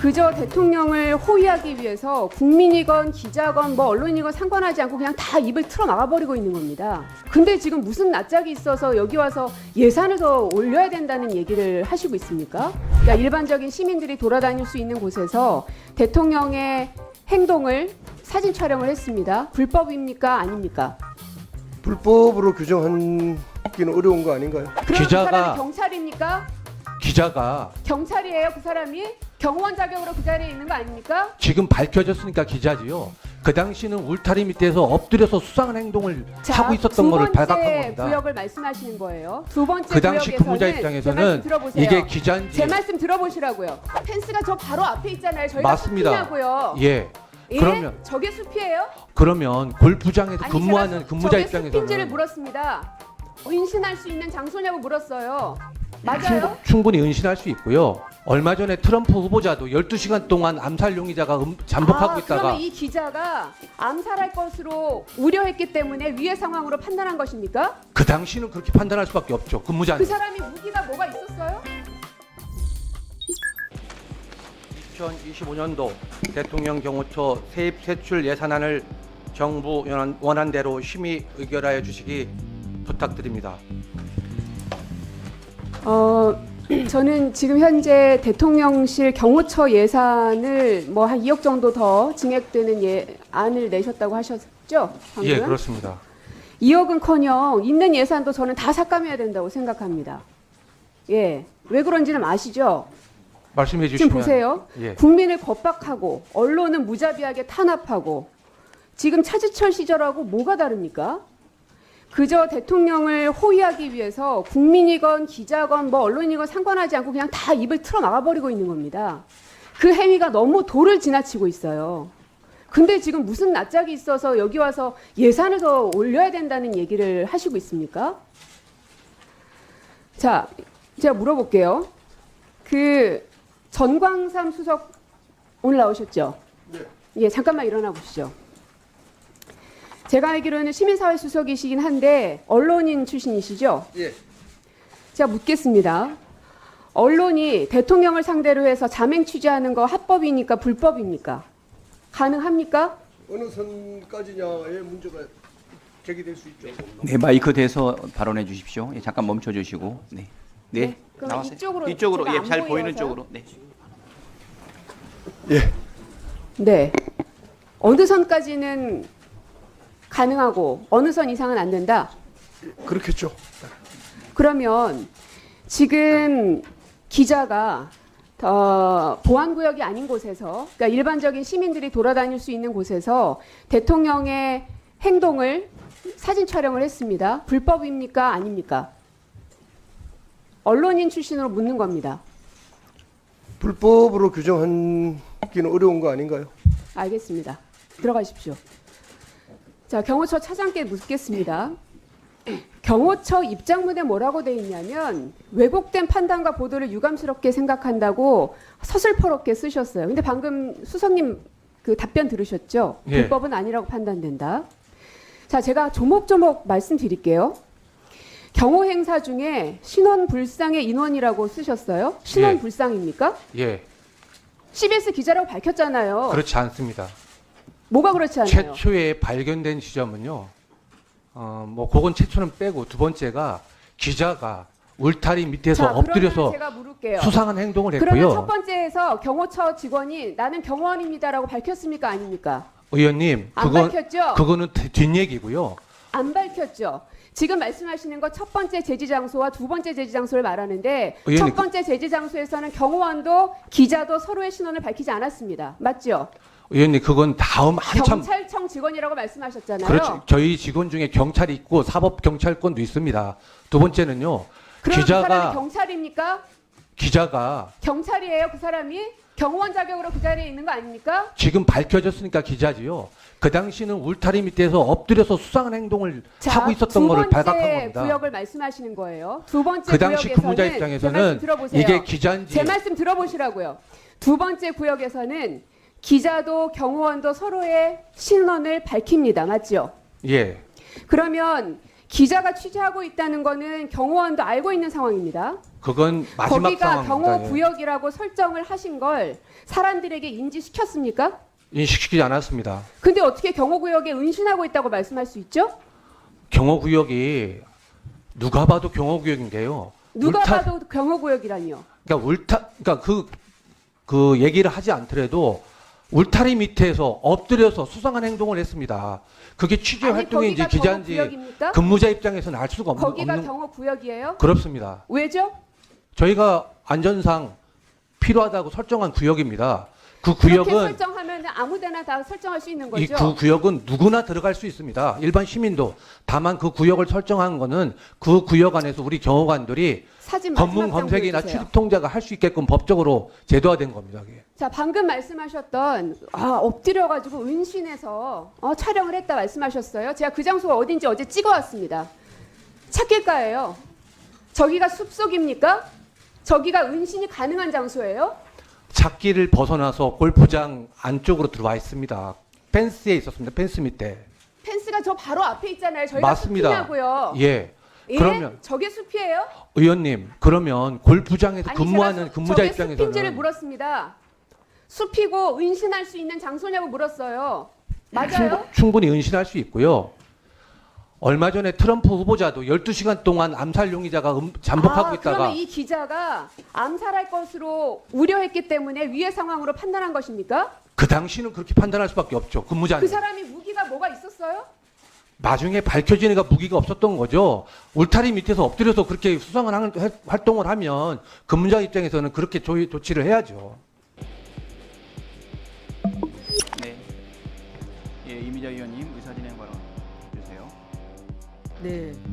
그저 대통령을 호위하기 위해서 국민이건 기자건 뭐 언론이건 상관하지 않고 그냥 다 입을 틀어 막아버리고 있는 겁니다. 근데 지금 무슨 낯짝이 있어서 여기 와서 예산을 더 올려야 된다는 얘기를 하시고 있습니까? 그러니까 일반적인 시민들이 돌아다닐 수 있는 곳에서 대통령의 행동을 사진 촬영을 했습니다. 불법입니까? 아닙니까? 불법으로 규정하기는 어려운 거 아닌가요? 그럼 그 사람이 경찰입니까? 기자가 경찰이에요, 그 사람이? 경호원 자격으로 그 자리에 있는 거 아닙니까? 지금 밝혀졌으니까 기자지요. 그 당시는 울타리 밑에서 엎드려서 수상한 행동을 하고 있었던 거를 발각한 두 번째 겁니다. 구역을 말씀하시는 거예요. 두 번째 그 당시 구역에서는 근무자 제 말씀 입장에서는 들어보세요. 이게 기자인지 제 말씀 들어보시라고요. 펜스가 저 바로 앞에 있잖아요. 저희가 맞습니다. 숲이냐고요. 예. 예? 그러면 저게 숲이에요? 그러면 골프장에서 아니, 근무하는 제가 근무자 저게 숲인지를 입장에서는 물었습니다. 인신할 수 있는 장소냐고 물었어요. 맞아요? 충분히 은신할 수 있고요. 얼마 전에 트럼프 후보자도 12시간 동안 암살 용의자가 잠복하고 있다가 그러면 이 기자가 암살할 것으로 우려했기 때문에 위의 상황으로 판단한 것입니까? 그 당시는 그렇게 판단할 수밖에 없죠. 근무자. 그 사람이 무기가 뭐가 있었어요? 2025년도 대통령 경호처 세입 세출 예산안을 정부 원안대로 심의 의결하여 주시기 부탁드립니다. 저는 지금 현재 대통령실 경호처 예산을 뭐 한 2억 정도 더 증액되는 안을 내셨다고 하셨죠? 방금? 예, 그렇습니다. 2억은커녕 있는 예산도 저는 다 삭감해야 된다고 생각합니다. 예, 왜 그런지는 아시죠? 말씀해 주시면. 지금 보세요. 예. 국민을 겁박하고 언론은 무자비하게 탄압하고 지금 차지철 시절하고 뭐가 다릅니까? 그저 대통령을 호위하기 위해서 국민이건 기자건 뭐 언론이건 상관하지 않고 그냥 다 입을 틀어 막아버리고 있는 겁니다. 그 행위가 너무 도를 지나치고 있어요. 근데 지금 무슨 낯짝이 있어서 여기 와서 예산을 더 올려야 된다는 얘기를 하시고 있습니까? 자, 제가 물어볼게요. 그 전광삼 수석 오늘 나오셨죠? 네. 예, 잠깐만 일어나 보시죠. 제가 알기로는 시민사회 수석이시긴 한데 언론인 출신이시죠? 예. 제가 묻겠습니다. 언론이 대통령을 상대로 해서 자맹 취재하는 거 합법입니까? 불법입니까? 가능합니까? 어느 선까지냐의 문제가 제기될 수 있죠. 네, 마이크 대서 발언해 주십시오. 예, 잠깐 멈춰 주시고. 네. 네. 네, 그럼 나와세요. 이쪽으로 이쪽으로 제가 예, 안 잘 보이는 보여서요? 쪽으로. 네. 예. 네. 어느 선까지는 가능하고 어느 선 이상은 안 된다? 그렇겠죠. 그러면 지금 기자가 보안구역이 아닌 곳에서, 그러니까 일반적인 시민들이 돌아다닐 수 있는 곳에서 대통령의 행동을 사진 촬영을 했습니다. 불법입니까? 아닙니까? 언론인 출신으로 묻는 겁니다. 불법으로 규정하기는 어려운 거 아닌가요? 알겠습니다. 들어가십시오. 자, 경호처 차장께 묻겠습니다. 경호처 입장문에 뭐라고 돼 있냐면 왜곡된 판단과 보도를 유감스럽게 생각한다고 서슬퍼렇게 쓰셨어요. 근데 방금 수석님 그 답변 들으셨죠? 예. 불법은 아니라고 판단된다. 자, 제가 조목조목 말씀드릴게요. 경호 행사 중에 신원 불상의 인원이라고 쓰셨어요. 신원 예. 불상입니까? 예. CBS 기자라고 밝혔잖아요. 그렇지 않습니다. 뭐가 그렇지 않아요? 최초에 발견된 지점은요. 뭐 그건 최초는 빼고 두 번째가 기자가 울타리 밑에서 자, 그러면 엎드려서 제가 물을게요. 수상한 행동을 그러면 첫 했고요. 번째에서 경호처 직원이 나는 경호원입니다라고 밝혔습니까? 아닙니까? 의원님, 안 밝혔죠? 그거는 뒷얘기고요. 안 밝혔죠. 지금 말씀하시는 거 첫 번째 제지 장소와 두 번째 제지 장소를 말하는데 의원님, 첫 번째 제지 장소에서는 경호원도 기자도 서로의 신원을 밝히지 않았습니다. 맞죠? 의원님, 그건 다음 한참. 경찰청 직원이라고 말씀하셨잖아요. 그렇죠. 저희 직원 중에 경찰이 있고 사법 경찰권도 있습니다. 두 번째는요. 그럼 그 사람이 경찰입니까? 기자가 경찰이에요, 그 사람이? 경호원 자격으로 그 자리에 있는 거 아닙니까? 지금 밝혀졌으니까 기자지요. 그 당시는 울타리 밑에서 엎드려서 수상한 행동을 하고 있었던 거를 발각한 두 번째 겁니다. 구역을 말씀하시는 거예요. 두 번째 그 당시 구역에서는 근무자 제 말씀 입장에서는 들어보세요. 이게 기자인지 제 말씀 들어보시라고요. 두 번째 구역에서는 기자도 경호원도 서로의 신원을 밝힙니다. 맞죠? 예. 그러면 기자가 취재하고 있다는 거는 경호원도 알고 있는 상황입니다. 그건 마지막 거기가 상황입니다. 경호 예. 구역이라고 설정을 하신 걸 사람들에게 인지시켰습니까? 인식시키지 않았습니다. 근데 어떻게 경호 구역에 은신하고 있다고 말씀할 수 있죠? 경호구역이 누가 봐도 경호구역인데요. 누가 울타- 봐도 경호 구역이라니요. 그러니까 그 얘기를 하지 않더라도 울타리 밑에서 엎드려서 수상한 행동을 했습니다. 그게 취재 아니, 활동인지 거기가 기자인지 경호 구역입니까? 근무자 입장에서는 알 수가 거기가 없는 경호 구역이에요? 그렇습니다. 왜죠? 저희가 안전상 필요하다고 설정한 구역입니다. 그 그렇게 구역은 설정하면 아무데나 다 설정할 수 있는 이 거죠. 그 구역은 누구나 들어갈 수 있습니다. 일반 시민도. 다만 그 구역을 설정한 거는 그 구역 안에서 우리 경호관들이 사진 마지막 검문 장 검색이나 보여주세요. 출입 통제가 할 수 있게끔 법적으로 제도화된 겁니다. 그게. 자, 방금 말씀하셨던 엎드려가지고 은신해서 촬영을 했다 말씀하셨어요. 제가 그 장소가 어딘지 어제 찍어왔습니다. 찾길가예요. 저기가 숲속입니까? 저기가 은신이 가능한 장소예요? 찾기를 벗어나서 골프장 안쪽으로 들어와 있습니다. 펜스에 있었습니다. 펜스 밑에. 펜스가 저 바로 앞에 있잖아요. 저희가 맞습니다. 숲이냐고요. 예. 예? 그러면 저게 숲이에요? 의원님, 그러면 골프장에서 아니, 근무하는 제가 근무자 저게 숲인지를 입장에서는 물었습니다. 숲이고 은신할 수 있는 장소냐고 물었어요. 맞아요? 충분히 은신할 수 있고요. 얼마 전에 트럼프 후보자도 12시간 동안 암살 용의자가 잠복하고 있다가 그러면 이 기자가 암살할 것으로 우려했기 때문에 위의 상황으로 판단한 것입니까? 그 당시는 그렇게 판단할 수밖에 없죠. 근무자는. 그 사람이 무기가 뭐가 있었어요? 나중에 밝혀지니까 무기가 없었던 거죠. 울타리 밑에서 엎드려서 그렇게 수상을 하는 활동을 하면 근무자 입장에서는 그렇게 조치를 해야죠. 네. 예, 이미자 의원님 의사진행 발언 주세요. 네,